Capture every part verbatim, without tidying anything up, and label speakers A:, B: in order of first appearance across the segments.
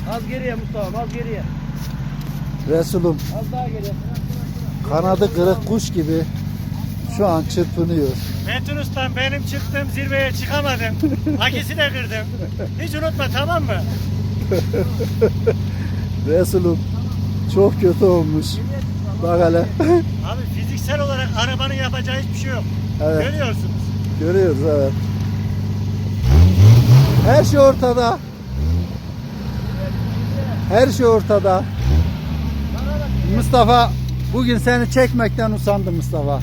A: Az geriye Mustafa, az geriye.
B: Resulüm
A: Az daha geriye.
B: kanadı kırık kuş gibi şu an çırpınıyor.
C: Metin Ustam benim çıktığım zirveye çıkamadım. Akisi de kırdım. Hiç unutma tamam mı?
B: Resulüm çok kötü olmuş. Bak hele.
C: Abi fiziksel olarak arabanın yapacağı hiçbir şey yok.
B: Evet.
C: Görüyorsunuz.
B: Görüyoruz evet. Her şey ortada. Her şey ortada. Mustafa bugün seni çekmekten usandım Mustafa.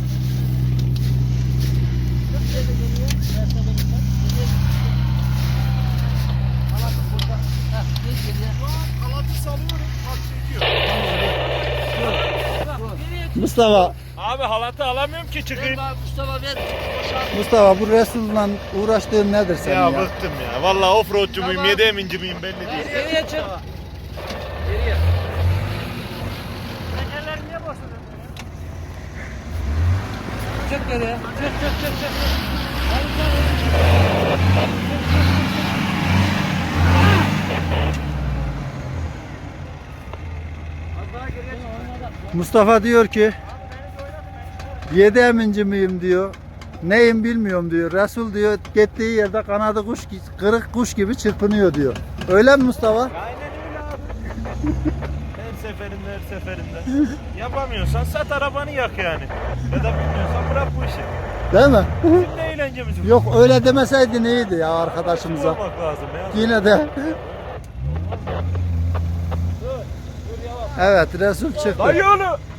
B: Mustafa,
C: Abi halatı alamıyorum ki çıkayım.
A: Mustafa ver.
B: Mustafa bu Resul'la uğraştığın nedir senin ya?
C: Ya bıktım ya. Vallahi offroadçu muyum, yedeminci miyim belli değil.
A: Geriye çık. Geriye.
C: Tekerler niye boşalıyor?
A: Çık geriye. Çık çık çık çık. Az daha geriye çık.
B: Mustafa diyor ki yedi eminci miyim diyor. Neyim bilmiyorum diyor. Resul diyor gittiği yerde kanadı kuş kırık kuş gibi çırpınıyor diyor. Öyle mi Mustafa?
C: Aynen öyle abi. Her seferinde her seferinde. Yapamıyorsan sat arabanı yak yani. Ya da bilmiyorsan bırak bu işi.
B: Değil mi?
C: Bizim de eğlencemiz bu.
B: Yok öyle demeseydin iyiydi ya arkadaşımıza.
C: Olmak lazım ya.
B: Yine de. Evet Resul çıktı.
C: Dayı oğlu.